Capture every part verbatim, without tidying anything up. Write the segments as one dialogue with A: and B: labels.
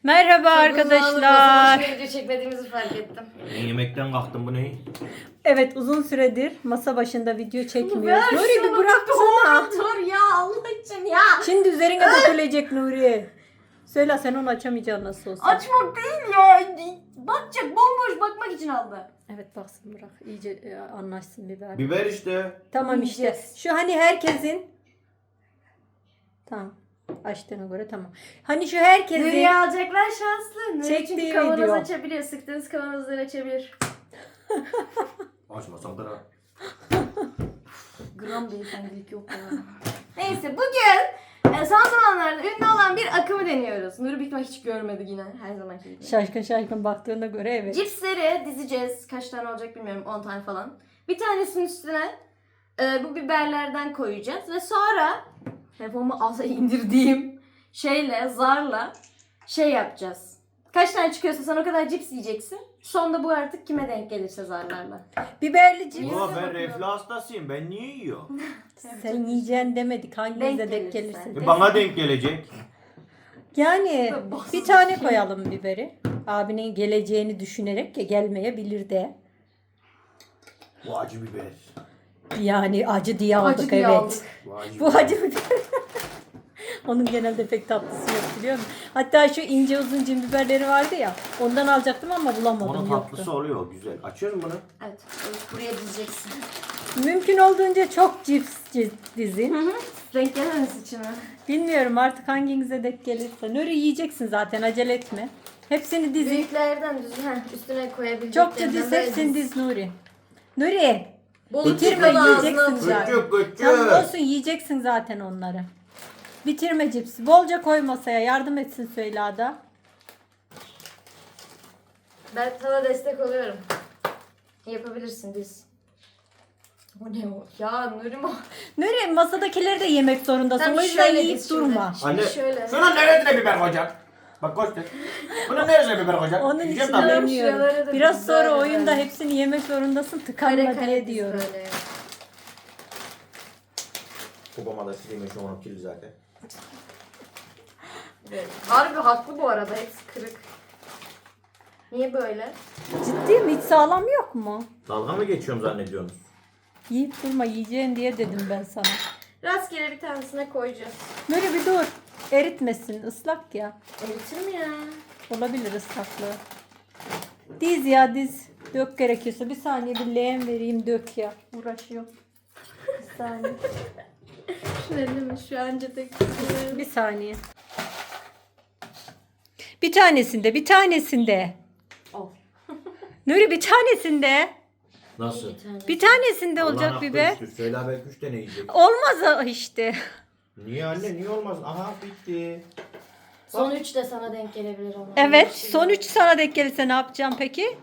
A: Merhaba arkadaşlar.
B: Çok video çekmediğimizi fark ettim.
C: Ben yemekten kalktım, bu ne?
A: Evet, uzun süredir masa başında video çekmiyoruz.
B: Ver
A: Nuri bir
B: şunu,
A: bıraksana.
B: Dur ya Allah için ya.
A: Şimdi üzerine dökülecek Nuri. Söyle, sen onu açamayacaksın nasıl olsa.
B: Açmak değil ya. Bakacak, bomboş bakmak için aldı.
A: Evet, baksın, bırak. İyice e, anlaşsın biber.
C: Biber işte.
A: Tamam işte.
B: Yiyeceğiz.
A: Şu hani herkesin... Tamam. Açtığına göre tamam. Hani şu herkesin...
B: Nuri'yi alacaklar şanslı. Nuri
A: Çektiği
B: çünkü kavanoz
A: video.
B: açabiliyor. Sıktığınız kavanozları açabilir.
C: Açmasam da.
B: Gram beyefendilik yok ya. Neyse bugün e, son zamanlarda ünlü olan bir akımı deniyoruz. Nuri büyük ihtimalle hiç görmedi yine her zamanki gibi.
A: Şaşkın şaşkın baktığına göre evet.
B: Cipsleri dizeceğiz. Kaç tane olacak bilmiyorum. on tane falan. Bir tanesinin üstüne e, bu biberlerden koyacağız. Ve sonra telefonumu aza indirdiğim şeyle, zarla şey yapacağız. Kaç tane çıkıyorsa sen o kadar cips yiyeceksin. Sonunda bu artık kime denk gelirse zarlarla.
A: Biberli cips.
C: Ulan ben reflü hastasıyım. Ben niye yiyorum?
A: Sen yiyeceksin demedik. Hanginize
B: Denk
A: denk
B: gelirse.
A: gelirse.
C: E, Bana denk gelecek.
A: Yani
B: Basit
A: bir tane koyalım biberi. Abinin geleceğini düşünerek ya gelmeyebilir de.
C: Bu acı biber.
A: Yani acı diye aldık
B: Acı diye
A: evet.
B: aldık.
C: Bu acı
A: Bu acı biber. Onun genelde pek tatlısı yok biliyor musun? Hatta şu ince uzun cin biberleri vardı ya. Ondan alacaktım ama bulamadım,
C: Onun
A: yoktu.
C: tatlısı oluyor güzel. Açıyoruz bunu.
B: Evet. Buraya dizeceksin.
A: Mümkün olduğunca çok cips ciz- dizin.
B: Hı hı. Renk gelmemesi için mi?
A: Bilmiyorum artık hanginize denk gelirse. Nuri yiyeceksin zaten, acele etme. Hepsini dizin.
B: Büyüklerden düz, heh, üstüne koyabileceklerimden.
A: Çokça diz,
B: böyle
A: hepsini
B: diz.
A: diz Nuri. Nuri.
B: Bolu
A: Bitirme,
B: çıkan ağzına
A: yiyeceksin
B: atacak.
A: zaten.
C: Küçük küçük.
A: Tamam olsun, yiyeceksin zaten onları. Bitirme cipsi. Bolca koy masaya. Yardım etsin Süheyla'da.
B: Ben sana destek oluyorum. Yapabilirsin diz. Bu ne o? Ya Nurim o.
A: Nuri, masadakileri de yemek zorundasın.
B: Sen
A: O yüzden
B: şöyle
A: yiyip
B: diz şimdi.
A: durma.
B: Şimdi
C: Anne,
B: şöyle.
C: şunun neresine biber koyacak? Bak koş de. Bunun neresine biber koyacak?
A: Onun
C: Yiyeceğim
A: için
C: tabii.
B: Şuraları
A: demiyorum.
B: da
A: Biraz
B: güzel
A: sonra
B: güzel.
A: oyunda hepsini yemek zorundasın.
B: Kare
A: Tıkanma
B: kare
A: diye
B: diz
A: diyorum.
B: böyle.
C: Babama da sileyim şu onu kirli zaten.
B: Evet. Harbi haklı bu arada. Hepsi kırık. Niye böyle?
A: Ciddi mi? Hiç sağlam yok mu?
C: Dalga mı geçiyorum zannediyorsunuz?
A: Yiyip durma, yiyeceğin diye dedim ben sana.
B: Rastgele bir tanesine koyacağız.
A: Nuri bir dur. Eritmesin. Islak ya.
B: Eritir mi ya?
A: Olabilir ıslaklığı. Diz ya diz. Dök gerekiyorsa. Bir saniye bir leğen vereyim, dök ya. Uğraşıyor. Bir saniye.
B: Şu elimi şu anca tek.
A: Bir saniye. Bir tanesinde, bir tanesinde.
B: Al.
A: Nuri bir tanesinde.
C: Nasıl?
A: Bir tanesinde
C: Allah'ın
A: olacak
C: hakkı
A: biber.
C: üstü. Söyle belki üç tane yiyecek.
A: Olmaz o işte.
C: Niye anne, niye olmaz? Aha bitti.
B: Son üç de sana denk gelebilir ama.
A: Evet, son üç sana denk gelirse ne yapacağım peki?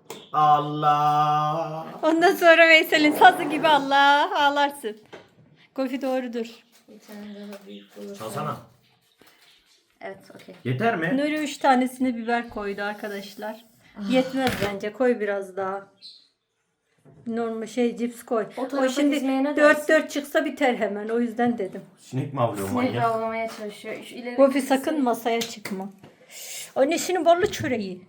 C: Allah.
A: Ondan sonra Veysel'in sazı gibi Allah ağlarsın. Kofi doğrudur.
B: Bir tane daha büyük bulursan.
C: Çalsana.
B: Evet, okey.
C: Yeter mi?
A: Nuri üç tanesine biber koydu arkadaşlar. Yetmez bence, koy biraz daha. Normal şey cips koy.
B: O
A: O,
B: tarafa
A: şimdi
B: dizmeye ne
A: dört
B: dersin?
A: dört çıksa biter hemen, o yüzden dedim.
C: Sinek mi avlıyor
B: Sinek
C: manyak?
B: avlamaya çalışıyor. Şu ileri
A: Kofi sakın masaya çıkma. Annesinin ballı çöreği.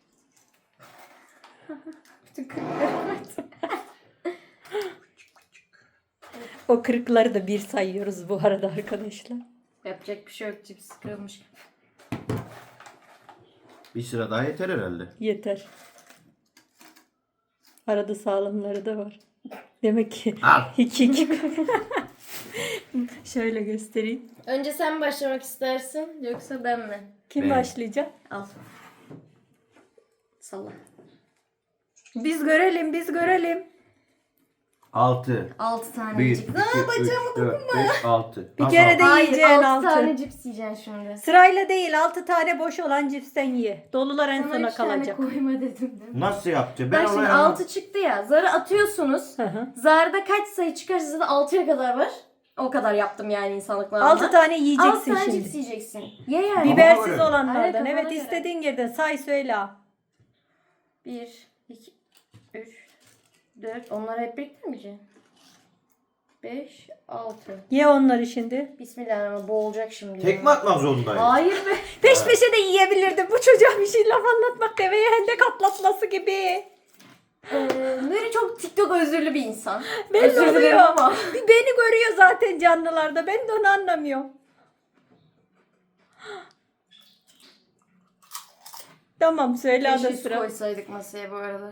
A: O kırıkları da bir sayıyoruz bu arada arkadaşlar.
B: Yapacak bir şey yok. Cips kırılmış.
C: Bir sıra daha yeter herhalde.
A: Yeter. Arada sağlamları da var. Demek ki
C: Al.
A: iki iki. Şöyle göstereyim.
B: Önce sen mi başlamak istersin yoksa ben mi?
A: Kim
C: Ben.
A: başlayacak?
B: Al. Salla.
A: Biz görelim, biz görelim.
C: Altı.
B: altı tane
C: Bir,
B: cips.
C: iki,
B: Aa,
C: üç,
B: bacağımı
C: dört, beş, altı.
A: Bir
C: Nasıl
A: kere
C: altı?
A: de
B: Hayır,
A: yiyeceksin
B: altı
A: altı.
B: tane cips yiyeceksin şimdi.
A: Sırayla değil, altı tane boş olan cipsten ye. Dolular en
B: Sana
A: sona
B: üç tane
A: kalacak.
B: koyma dedim değil mi?
C: Nasıl yapacağım?
B: Bak
C: Ben
B: şimdi
C: oraya...
B: altı çıktı ya. Zarı atıyorsunuz.
A: Hı hı.
B: Zarda kaç sayı çıkarsa zaten altıya kadar var. O kadar yaptım yani insanlık namına.
A: Altı tane yiyeceksin
B: altı tane
A: şimdi.
B: cips yiyeceksin. Ye yani.
A: Bibersiz
C: Kafana göre.
A: olanlardan.
B: Aynen, kafana
A: Evet,
B: göre.
A: istediğin yerden say söyle.
B: Bir, iki, üç, dört. Onları hep birlikte mi yiyeceksin? Beş, altı.
A: Ye onları şimdi.
B: Bismillah ama boğulacak şimdi.
C: Tekme atmak zorundayım.
B: Hayır be.
A: Peş peşe de yiyebilirdim. Bu çocuğa bir şey laf anlatmak deveye hendek atlatması gibi.
B: Ee, Nuri çok TikTok özürlü bir insan.
A: Belli
B: Özür dilerim
A: oluyor.
B: ama.
A: Bir beni görüyor zaten canlılarda. Ben de onu anlamıyorum. Tamam söyle ada
B: Keşke su
A: sıra.
B: koysaydık masaya bu arada.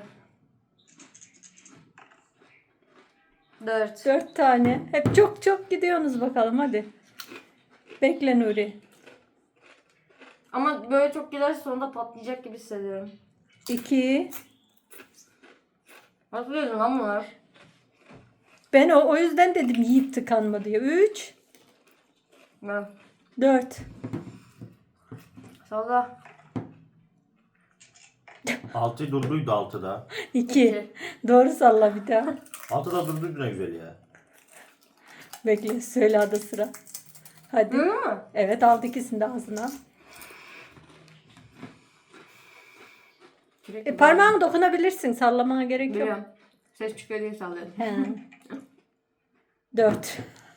B: Dört.
A: Dört tane. Hep çok çok gidiyorsunuz bakalım hadi. Bekle Nuri.
B: Ama böyle çok giderse sonunda patlayacak gibi hissediyorum.
A: İki.
B: Nasıl yedin lan bunlar?
A: Ben o, o yüzden dedim Yiğit tıkanma diye. Üç.
B: Ben.
A: Dört.
B: Salla.
C: Altı durduydu altıda.
A: İki.
B: İki.
A: Doğru salla bir daha.
C: Altıda durduydu ne güzel ya.
A: Bekle söyle ada sıra. Hadi.
B: Duyuyor musun?
A: Evet aldı ikisini de ağzına. E, parmağını dokunabilirsin. Sallamana gerek yok.
B: Biliyorum. Ses çıkıyor diye sallıyorum.
A: He. Dört.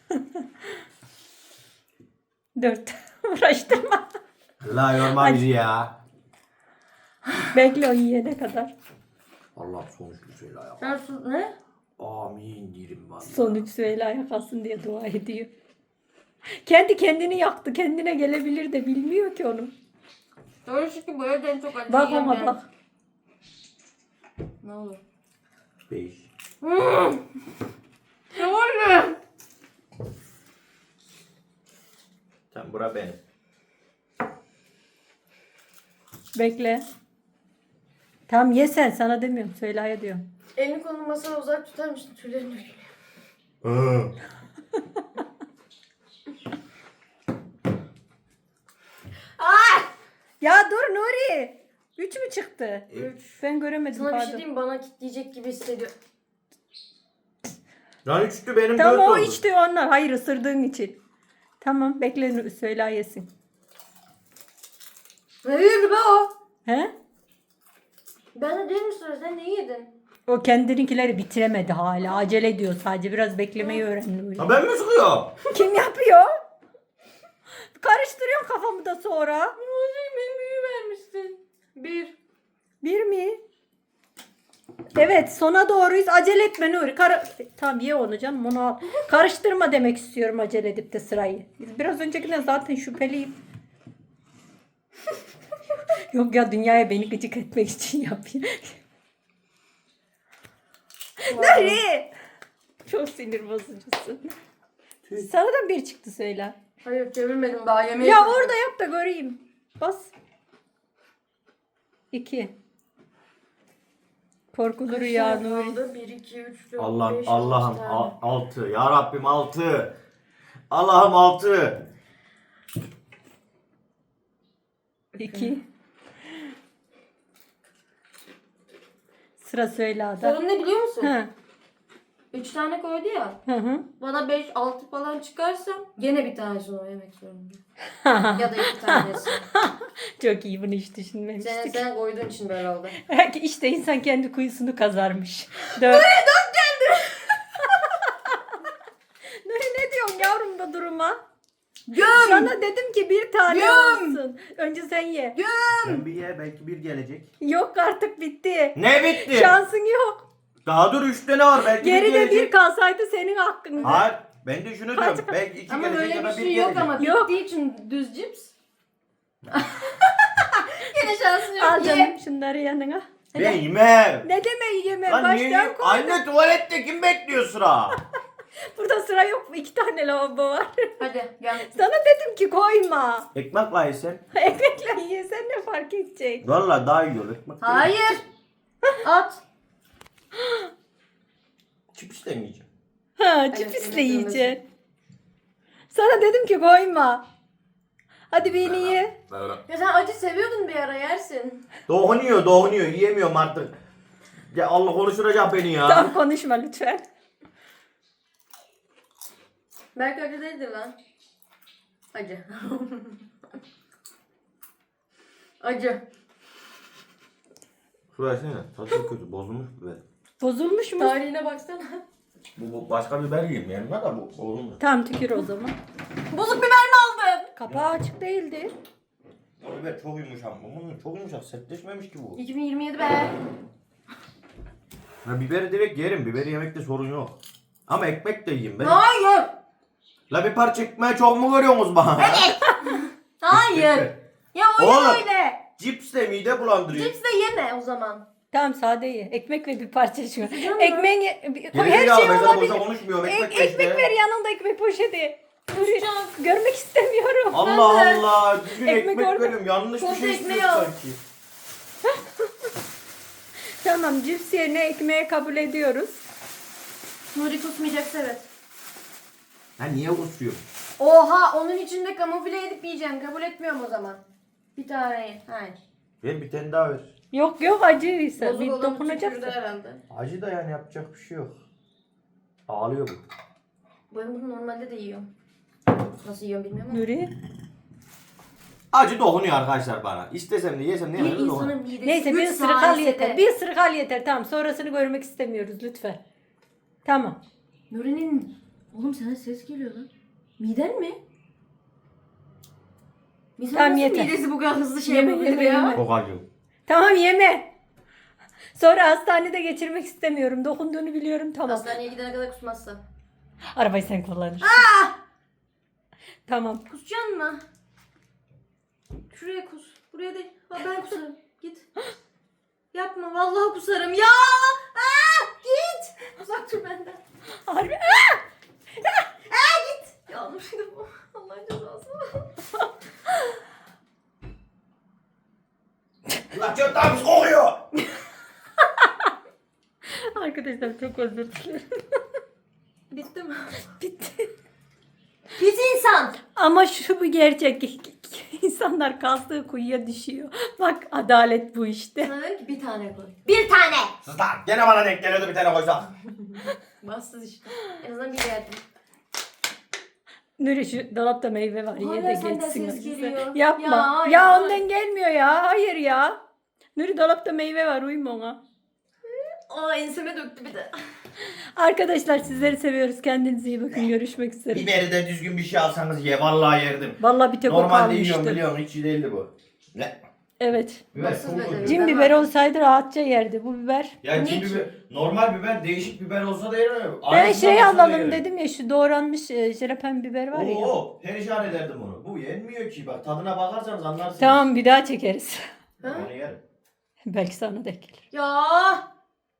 A: Dört. Uğraştırma.
C: La yorma bizi ya.
A: Bekle o yiyene kadar.
C: Allah sonuçlu söyle ya.
B: Sen su ne?
C: Amin diyelim valla.
A: Sonuç Süheyla'ya kalsın diye dua ediyor. Kendi kendini yaktı. Kendine gelebilir de bilmiyor ki onu.
B: Doğru ki bu evden çok acı
A: Bak
B: yiyen
A: ona
B: ben-
A: bak.
B: Ne olur?
C: Beş.
B: Ne olur?
C: Sen bura benim.
A: Bekle. Tamam ye sen. Sana demiyorum. Süheyla'ya diyorum.
B: Elini kolunu masaya uzak tutar mısın? Tüylerin dökülüyor.
C: Hı.
A: Ya dur Nuri. Üç mü çıktı?
C: Üç.
A: Ben göremedim
B: Sana bir şey
A: pardon.
B: diyeyim mi? Bana kitleyecek gibi hissediyorum.
C: Lan üçtü benim
A: Tamam
C: dört
A: o
C: oldu.
A: içti onlar. Hayır ısırdığın için. Tamam bekle Nuri, Süheyla yesin.
B: Ne yedi be o?
A: He?
B: Ben de değil mi sonra? Sen ne yedin?
A: O kendininkileri bitiremedi hala. Acele ediyor sadece. Biraz beklemeyi öğren Nuri.
C: Ha ben mi sıkıyorum?
A: Kim yapıyor? Karıştırıyorum kafamı da sonra.
B: Benim büyü vermişsin. Bir.
A: Bir mi? Evet sona doğruyuz. Acele etme Nuri. Kara... Tamam ye onu canım onu al. Karıştırma demek istiyorum acele edip de sırayı. Biz biraz öncekinden zaten şüpheliyim. Yok ya dünyaya beni gıcık etmek için yapıyor. Nuri! Çok sinir bozucusun. Sana da bir çıktı söyle.
B: Hayır çevirmedim daha yemeği.
A: Ya orada yap da göreyim. Bas. İki. Korkulu rüya Nuri.
B: bir, iki, üç, dört,
C: Allah'ım
B: beş,
C: Allah'ım
B: altı tane.
C: al- altı. Ya Rabbim altı. Allah'ım altı.
A: İki. Sıra Süheyla'da.
B: Sorun ne biliyor musun?
A: Hı.
B: Üç tane koydu ya.
A: Hı hı.
B: Bana beş, altı falan çıkarsa gene bir tanesini o yemek zorunda. ya da iki tanesi.
A: Çok iyi bunu hiç
B: sen,
A: düşünmemiştik.
B: sen koyduğun için böyle oldu.
A: İşte insan kendi kuyusunu kazarmış. Dört. Nuri dört geldi. Nuri ne diyorsun yavrum da duruma?
B: Göm!
A: Sana dedim ki bir tane
B: Göm!
A: olsun. Önce sen ye.
C: Ben bir ye belki bir gelecek.
A: Yok artık bitti.
C: Ne bitti?
A: Şansın yok.
C: Daha dur üç tane var belki bir
A: Geride
C: gelecek.
A: bir kalsaydı senin hakkında.
C: Hayır ben de şunu diyorum. Belki iki
B: Ama
C: gelecek
B: böyle
C: ya
B: bir
C: da bir
B: şey yok
C: gelecek.
B: ama
A: Yok.
B: bittiği için düz cips. Yine şansın yok.
A: Al
B: Ye.
A: canım şunları yanına.
C: Ben yemem.
A: Ne demek yeme?
C: Lan niye
A: Baştan
C: yiyeyim?
A: koy.
C: Anne tuvalette kim bekliyor sıra?
A: Burada sıra yok mu? İki tane lavabo var.
B: Hadi gel.
A: Sana dedim ki koyma.
C: Ekmek var yesen.
A: Ekmekle yesen ne fark edecek?
C: Valla daha iyi olur ekmek.
B: Hayır. At.
C: Chips de mi yiyeceğim?
A: Ha,
B: Evet,
A: cipisle
B: evet,
A: yiyeceksin. Sana dedim ki koyma. Hadi beni ye.
B: Ya sen acı seviyordun bir ara yersin.
C: Doğunuyor doğunuyor yiyemiyorum artık. Ya Allah konuşturacak beni ya.
A: Tam konuşma lütfen.
B: Belki acı değildir lan. Acı. acı.
C: Şuraya sene tadı kötü bozulmuş biber.
A: Bozulmuş mu?
B: Tarihine baksana.
C: Bu, bu başka biber yiyeyim yanına da bu bozulmuş.
A: Tamam tükür o zaman.
B: Bozuk biber mi aldın?
A: Kapağı açık değildi.
C: O biber çok yumuşak. Bunun çok yumuşak. Sertleşmemiş ki bu.
B: iki bin yirmi yedi be.
C: Ya biberi direkt yerim. Biberi yemekte sorun yok. Ama ekmek de yiyeyim ben.
B: Hayır.
C: La bir parça ekmeği çok mu görüyorsunuz bana?
B: Hayır. Ya öyle
C: Oğlum.
B: öyle.
C: Cips de mide bulandırıyor.
B: Cips de yeme o zaman.
A: Tamam sade ye. Ekmek ve bir parça şu.
B: Güzel mi?
A: Ekmeğin ye-
C: Geri
A: her
C: zekalı,
A: şey
C: ben sana boşa
A: olabilir.
C: konuşmuyorum.
A: Ek-
C: Ekmek,
A: ekmek
C: işte.
A: ver yanında ekmek poşeti.
B: Kusacağım.
A: Görmek istemiyorum.
C: Allah
B: Ben de.
C: Allah. Düzgün
A: Ekmek
C: ekmek,
A: orada.
C: veriyorum. Yanlış bir
B: Koz
C: şey
B: ekmeği
C: istiyorsun
B: al.
C: sanki.
A: Tamam cips yerine ekmeği kabul ediyoruz.
B: Nuri kusmayacaksa evet.
C: Ha niye kusuyorsun?
B: Oha onun içinde kamufle edip yiyeceğim. Kabul etmiyorum o zaman. Bir tane ye. Hayır.
C: Ver bir tane daha ver.
A: Yok yok acıysa
B: Bozuk
A: bir
B: olan
A: dokunacaksın.
B: tükürdü herhalde.
C: Acı da yani yapacak bir şey yok. Ağlıyor bu.
B: Ben bunu normalde de yiyorum. Nasıl yiyorum bilmiyorum ama.
A: Nuri.
C: Acı dokunuyor arkadaşlar bana. İstesem de yesem de
B: Bir
C: yemem de dokunuyor.
B: insanın midesi
A: Neyse bir
B: üç
A: ısırık al
B: saniyede-
A: yeter. Bir ısırık al yeter. Tamam sonrasını görmek istemiyoruz lütfen. Tamam.
B: Nuri'nin... Oğlum sana ses geliyor lan. Miden mi? İnsan
A: Tamam,
B: nasıl
A: yeter.
B: midesi bu kadar hızlı şey
A: Yeme,
B: yapabilir
A: yeme,
B: ya?
A: yeme.
C: Çok acı.
A: Tamam yeme. Sonra hastanede geçirmek istemiyorum. Dokunduğunu biliyorum tamam.
B: Hastaneye gidene kadar kusmazsa.
A: Arabayı sen kullanırsın. Tamam.
B: Kusacaksın mı? Şuraya kus. Buraya değil. Ha, ben kusarım. Git. Yapma. Vallahi kusarım. Ya! Aa! Git! Uzak dur benden.
A: Harbi.
B: Aa, git! Ya Nuri bu. Allah'ın cezası.
C: Ulan çok daha pis kokuyor.
A: Arkadaşlar çok özür dilerim.
B: Bitti mi?
A: Bitti.
B: Pis insan!
A: Ama şu bir gerçek. İnsanlar kazdığı kuyuya düşüyor. Bak adalet bu işte.
B: Sana dedim ki bir tane koy. Bir tane!
C: Sus lan. Gene bana denk geliyordu bir tane koysak.
B: Bassız işte. En azından bir yerdim.
A: Nuri şu dolapta meyve var. Ye
B: Hala
A: de
B: senden
A: geçsin.
B: ses
A: acısı.
B: geliyor.
A: Yapma.
B: Ya,
A: Ya,
B: ya.
A: ondan gelmiyor ya. Hayır ya. Nuri dolapta meyve var. Uyuma ona.
B: Aa enseme döktü bir de.
A: Arkadaşlar sizleri seviyoruz. Kendinize iyi bakın. Görüşmek üzere.
C: Biberi de düzgün bir şey alsanız ye. Vallahi yerdim.
A: Vallahi bir tek o
C: Normalde yiyorum
A: kalmıştı.
C: biliyorum. Hiç iyi değildi bu. Ne?
A: Evet.
C: Biber
B: Bassız
C: çok
B: bedeli.
C: kötü.
A: Cin
B: Ben
A: biberi
B: var.
A: olsaydı rahatça yerdi. Bu biber.
C: Ya
B: Ne
C: cin
B: ki?
C: biber, normal biber, değişik biber olsa da yerim.
A: Ben
C: Aynısı
A: şey
C: olsa da
A: alalım
C: yerim.
A: dedim ya şu doğranmış e, jalapen biber var ya.
C: Oo, perişan ederdim onu. Bu yenmiyor ki. Bak tadına bakarsanız anlarsınız.
A: Tamam bir daha çekeriz.
B: Ha?
C: Onu yerim.
A: Belki sana denk gelir.
B: Ya